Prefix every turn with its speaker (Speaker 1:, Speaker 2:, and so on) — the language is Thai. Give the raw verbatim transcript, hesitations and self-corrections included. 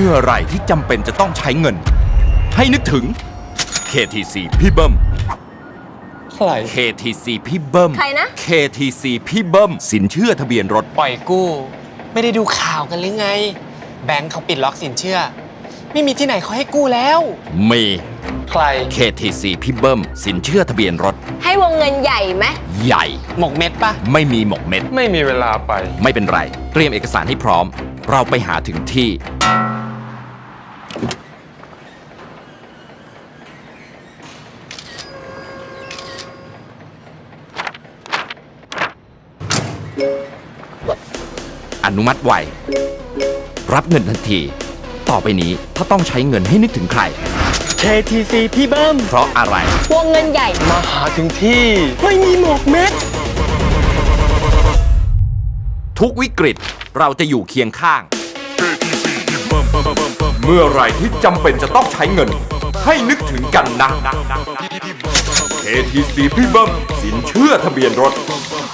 Speaker 1: มื่อไหร่ที่จำเป็นจะต้องใช้เงิน ให้นึกถึง เค ที ซี พี่เบิ้ม
Speaker 2: ใคร
Speaker 1: เค ที ซี พี่เบิ้ม
Speaker 3: ใครนะ
Speaker 1: เค ที ซี พี่เบิ้มสินเชื่อทะเบียนรถ
Speaker 2: ปล่อยกู้ ไม่ได้ดูข่าวกันหรือไง แบงค์เขาปิดล็อกสินเชื่อ ไม่มีที่ไหนเขาให้กู้แล้ว
Speaker 1: มี
Speaker 2: ใคร
Speaker 1: เค ที ซี พี่เบิ้มสินเชื่อทะเบียนรถ
Speaker 3: ให้วงเงินใหญ่ไหม
Speaker 1: ใหญ่
Speaker 2: หมกเม็ดปะ
Speaker 1: ไม่มีหมกเม็ด
Speaker 2: ไม่มีเวลาไป
Speaker 1: ไม่เป็นไร เตรียมเอกสารให้พร้อม เราไปหาถึงที่ อนุมัติไว รับเงินทันที ต่อไปนี้ถ้าต้องใช้เงินให้นึกถึงใคร
Speaker 2: เค ที ซี พี่เบิ้ม
Speaker 1: เพราะอะไร
Speaker 3: วงเงินใหญ่
Speaker 2: มาหาถึงที่ ไม่มีหมกเม็ด
Speaker 1: ทุกวิกฤตเราจะอยู่เคียงข้าง เมื่อไหรที่จำเป็นจะต้องใช้เงิน ให้นึกถึงกันนะ เค ที ซี พี่เบิ้มสินเชื่อทะเบียนรถ